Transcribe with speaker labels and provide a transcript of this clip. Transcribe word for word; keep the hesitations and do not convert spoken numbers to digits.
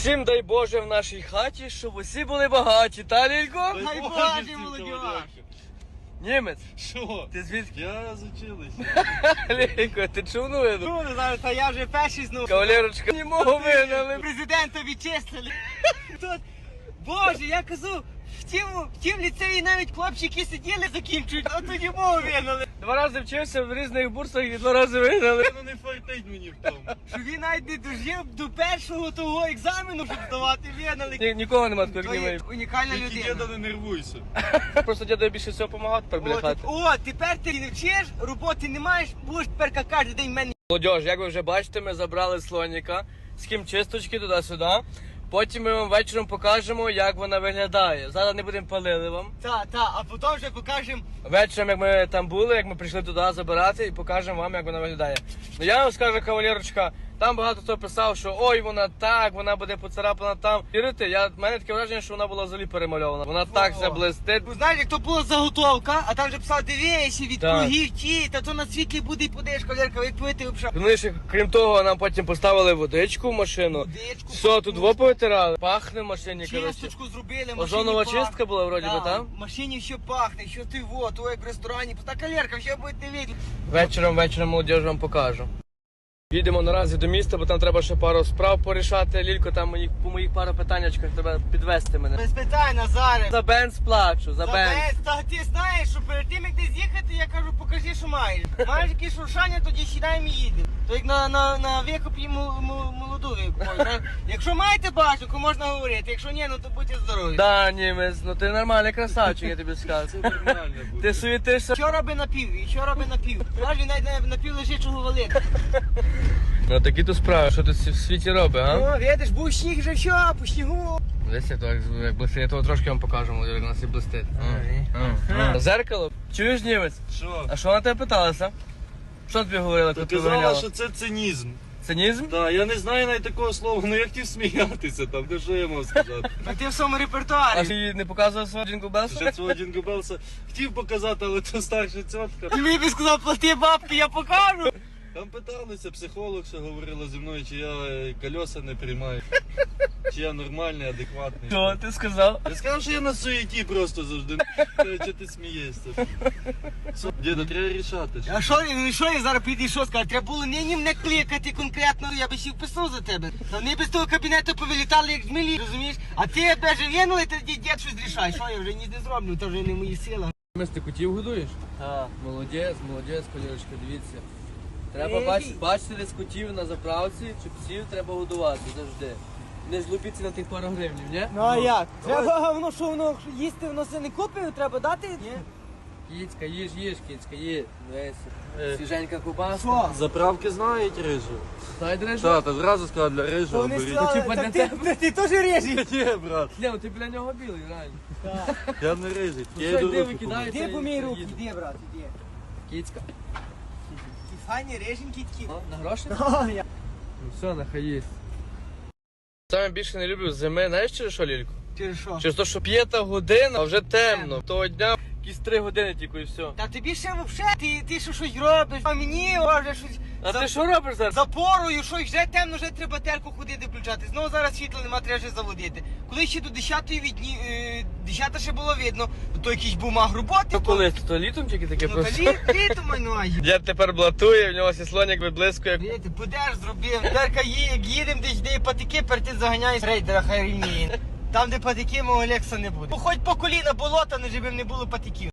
Speaker 1: Всім дай Боже в нашій хаті, щоб усі були багаті, та, Лілько?
Speaker 2: Дай Боже, молодь!
Speaker 1: Німець,
Speaker 2: Що?
Speaker 1: ти звідки?
Speaker 2: Я з училища.
Speaker 1: Лілько, ти чув новину?
Speaker 2: Ну, не знаю, та я вже перший знову.
Speaker 1: Кавалерочка, не мого вигнали.
Speaker 2: Президента відчислили. Тут, Боже, я кажу, в тім, в тім ліцеї навіть хлопчики сиділи, закінчують, а тоді мову вигнали.
Speaker 1: Два рази вчився в різних бурсах і два рази вигнали.
Speaker 2: Ну не фартить мені в тому. Що він навіть не дожив до першого того екзамену, щоб здавати, вигнали.
Speaker 1: Ні, нікого нема такого,
Speaker 2: То
Speaker 1: як
Speaker 2: є
Speaker 1: німець.
Speaker 2: унікальна
Speaker 3: Тільки
Speaker 2: людина.
Speaker 3: діда не нервуйся.
Speaker 1: Просто дядо більше всього допомагав тепер біля
Speaker 2: О,
Speaker 1: хати.
Speaker 2: так- О, тепер ти не вчиш, роботи не маєш, будеш тепер кожен день в мене.
Speaker 1: Молодіж, як ви вже бачите, ми забрали слоніка з хімчисточки туди-сюди. Потім ми вам вечором покажемо, як вона виглядає. Зараз не будемо палили вам.
Speaker 2: Та, та, а потім вже покажемо.
Speaker 1: Вечором, як ми там були, як ми прийшли туди забирати, і покажемо вам, як вона виглядає. Ну я вам скажу, кавалерочка, там багато хто писав, що ой, вона так, вона буде поцарапана там. Вірите, я, в мене таке враження, що вона була взагалі перемальована. Вона так вся блистить.
Speaker 2: Ну, знаєш, як то була заготовка, а там вже писав, дивися, від
Speaker 1: Так.
Speaker 2: кругів ті, та то на світлі буде і подеш, колірка, як пити взагалі.
Speaker 1: Вони ще, крім того, нам потім поставили водичку в машину.
Speaker 2: Водичку,
Speaker 1: Все, тут во повитирали. Пахне в машині, коротше.
Speaker 2: чисточку зробили, машині
Speaker 1: Озонова
Speaker 2: пахне.
Speaker 1: чистка була вроді би,
Speaker 2: Так,
Speaker 1: там?
Speaker 2: в машині все пахне, що ти во, то як в ресторані, та колірка, що будете видіти.
Speaker 1: Вечором, вечором, молодіж, вам покажу. Їдемо наразі до міста, бо там треба ще пару справ порішати. Лілько, там мої, по моїх пару питаннячках треба підвести мене.
Speaker 2: Без питань, Назаре.
Speaker 1: За бенз плачу, за бенз.
Speaker 2: Забез, та ти знаєш, що перед тим як десь їхати, я кажу, покажи, що маєш. Маєш якісь шуршання, тоді сідаємо і їдемо. То як на, на, на викуп і мо- мо- молоду викуп. Якщо маєте бачку, можна говорити, якщо ні, ну то будьте здорові.
Speaker 1: Да, німець, ну ти нормальний красавчик, я тобі скажу.
Speaker 3: Це нормально буде.
Speaker 1: Ти суєтишся.
Speaker 2: Що роби напів, і що роби напів? Знаєш, він навіть на напів лежачого валити.
Speaker 1: Ну такі то справи, що ти в світі робиш, а?
Speaker 2: Ну, видиш, був сніг вже все, по снігу.
Speaker 1: Дивися, то як, як блистить, я того трошки вам покажу, молодіж, як у нас і блистить.
Speaker 2: Ай.
Speaker 1: А, а. Зеркало? Чуєш, німець?
Speaker 3: Що?
Speaker 1: А що вона тебе питалася? Що тобі говорила,
Speaker 3: Та
Speaker 1: коли ти
Speaker 3: казала,
Speaker 1: виганяла?
Speaker 3: що це цинізм.
Speaker 1: Цинізм?
Speaker 3: Так, я не знаю навіть такого слова, ну я хотів сміятися там, ну що я мав сказати.
Speaker 2: А ти в своєму
Speaker 1: А
Speaker 2: репертуарі.
Speaker 1: ти не показував свого Джингл Белса?
Speaker 3: Вже свого Дінго Белса хотів показати, але то старша цьотка.
Speaker 2: Ти мені б сказав, плати бабки, я покажу.
Speaker 3: Там питалися, психолог ще говорила зі мною, чи я е, колеса не приймаю, чи я нормальний, адекватний.
Speaker 1: Що ти сказав?
Speaker 3: Я сказав, що я на суєті просто завжди. Чи ти смієшся? Що, діда, треба рішати.
Speaker 2: А що, ну що я зараз піду і що скажу? Треба було нині мене кликати конкретно, я би ще вписав за тебе. Та вони без того кабінету повилітали, як змілі, розумієш? А ти тебе же винули, тоді дід щось рішай. Що я вже ні не зроблю, то вже не мої сили.
Speaker 1: Мис, ти котів годуєш?
Speaker 2: Так.
Speaker 1: Молодець, молодець, колірочка, дивіться. Треба
Speaker 2: Ей.
Speaker 1: бачити, бачити десь котів на заправці, чи псів треба годувати завжди. Не злупіться на тих пару гривнів, ні?
Speaker 2: Ну а як? Треба воно, що воно їсти, воно все не купив, треба дати? Ні.
Speaker 1: Кіцька, їж, їж, кіцька, їж. Дивися.
Speaker 3: Е.
Speaker 1: Свіженька кубаска.
Speaker 2: Що?
Speaker 3: Заправки знають рижу.
Speaker 1: Дай дрежу.
Speaker 3: Так, та зразу сказав для рижу.
Speaker 2: Вони
Speaker 3: беріть.
Speaker 2: сказали,
Speaker 1: типа
Speaker 2: так
Speaker 1: для
Speaker 2: ти,
Speaker 1: тебе?
Speaker 2: ти, ти теж режеш.
Speaker 3: Ні, брат,
Speaker 1: Ні, ну ти біля нього білий, реально.
Speaker 3: я не рижий.
Speaker 1: Ну,
Speaker 3: Я
Speaker 1: що,
Speaker 3: йду
Speaker 1: йди,
Speaker 3: руки
Speaker 1: викидай.
Speaker 3: помити.
Speaker 2: Іди помій руки, іди, брат, іди.
Speaker 1: Кіцька.
Speaker 2: Ті файні реженькі такі.
Speaker 1: А, на гроші?
Speaker 2: О, я-
Speaker 1: Ну все, нехай їсть. Саме більше не люблю зими, знаєш через що, Лілько?
Speaker 2: Через що?
Speaker 1: Через те, що п'ята година, а вже темно. Того дня якісь три години тільки і все.
Speaker 2: Та тобі ще взагалі, ти, ти що щось робиш, а мені о, вже щось
Speaker 1: А
Speaker 2: за,
Speaker 1: ти що робиш зараз?
Speaker 2: за порою, що вже темно, вже треба терку ходити включати. Знову зараз світла нема, треба вже заводити. Коли ще до десятої відні, е, десята ще було видно, то якийсь бумаг роботи.
Speaker 1: Ну коли? То літом тільки таке
Speaker 2: Ну та
Speaker 1: просто?
Speaker 2: літ, літо майнує.
Speaker 1: Дід тепер блатує, в нього сіслоник виблискує.
Speaker 2: Видите, будеш зробив. Терка є, як їдемо десь, де є патики, перед тим заганяє з рейдера, хай рівніє. Там, де патики, мого Олекса не буде. Хоч по коліна болота, не живим, не було патиків.